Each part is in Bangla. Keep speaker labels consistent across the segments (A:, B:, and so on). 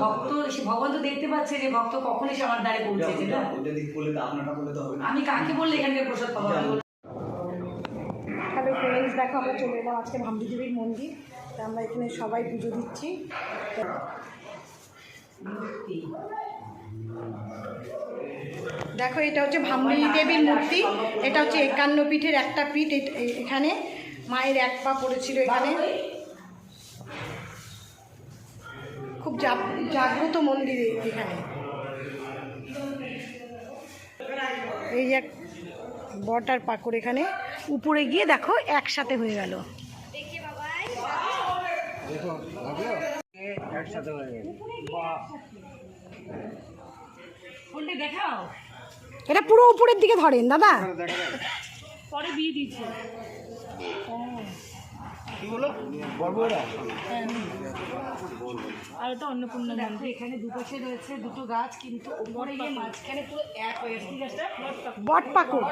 A: ভক্ত ভগবান তো দেখতে পাচ্ছে যে ভক্ত কখন এসে আমার দ্বারে পৌঁছেছে না। আমি কাকে বললে এখানকার প্রসাদ পাবো? হ্যালো ফ্রেন্ডস, দেখো আমরা চলে এলাম আজকে ভামরি দেবীর মন্দির। তো আমরা এখানে সবাই পুজো দিচ্ছি। দেখো এটা হচ্ছে ভামরি দেবীর মূর্তি। এটা হচ্ছে 51 পীঠের একটা পীঠ। এখানে মায়ের এক পা পড়েছিল। এখানে খুব জাগ্রত মন্দির এখানে। এই এক বটার পাকড় এখানে উপরে গিয়ে দেখো একসাথে হয়ে গেল। দেখাও, এটা পুরো উপরের দিকে ধরেন দাদা, পরে বিয়ে দিচ্ছে। আর এটা অন্নপূর্ণা মন্দির। এখানে দুপাশে রয়েছে দুটো গাছ, কিন্তু উপরে গিয়ে মাঝখানে পুরো এক হয়ে গেছে। বট পাকুড়,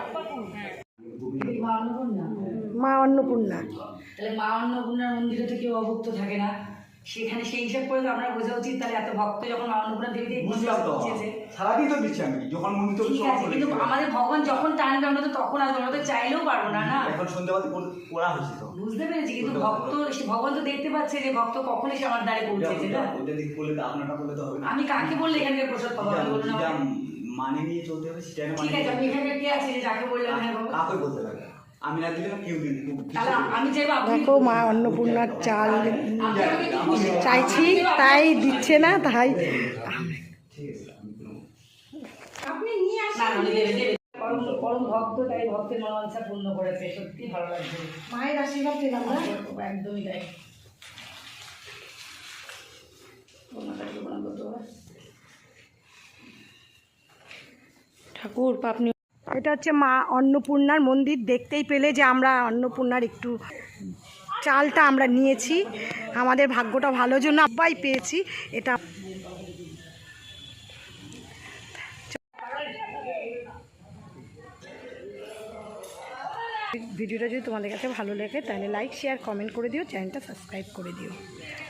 A: মা অন্নপূর্ণা। তাহলে মা অন্নপূর্ণার মন্দিরে তো কেউ অভুক্ত থাকে না। সেখানে সেই হিসাব করে আমরা বোঝা উচিত তাহলে এত ভক্ত যখন মা অন্নপূর্ণা দেবীতে
B: সারাদিন তো দিচ্ছি আমি, যখন মন্দির
A: কিন্তু আমাদের ভগবান যখন টানবে আমরা তো তখন আসবো, আমরা তো চাইলেও পারবো না। না
B: এখন সন্ধ্যাবাদ করা হয়েছে তো,
A: বুঝতে পেরেছি, কিন্তু ভক্ত ভগবান তো দেখতে পাচ্ছে যে ভক্ত কখন এসে আমার দ্বারে পৌঁছেছে না।
B: ওইটা দিক বলে তো আপনারটা বলে তো হবে না।
A: আমি কাকে বললে এখানকার প্রসাদ পাবো?
B: মানে নিয়ে চলতে হবে সেটা।
A: ঠিক আছে, আমি এখানে কে আছে যে যাকে বললাম হ্যাঁ বাবা,
B: কাকে বলতে লাগে? আমি না দিলে কেউ দিন।
A: আমি চাইবো।
C: দেখো মা অন্নপূর্ণার চাল চাইছি, তাই দিচ্ছে না। তাই
A: আপনি নিয়ে আসেন, পরম ভক্ত, তাই ভক্তের মনোবাঞ্ছা পূর্ণ করেছে। সত্যি ভালো লাগছে,
C: মায়ের আশীর্বাদ পেলাম না।
A: একদমই তাই।
C: ঠাকুর আপনি, এটা হচ্ছে মা অন্নপূর্ণার মন্দির। দেখতেই পেলে যে আমরা অন্নপূর্ণার একটু চালটা আমরা নিয়েছি। আমাদের ভাগ্যটা ভালো জন্য সবাই পেয়েছি এটা। ভিডিওটা যদি তোমাদের কাছে ভালো লাগে তাহলে লাইক শেয়ার কমেন্ট করে দিও, চ্যানেলটা সাবস্ক্রাইব করে দিও।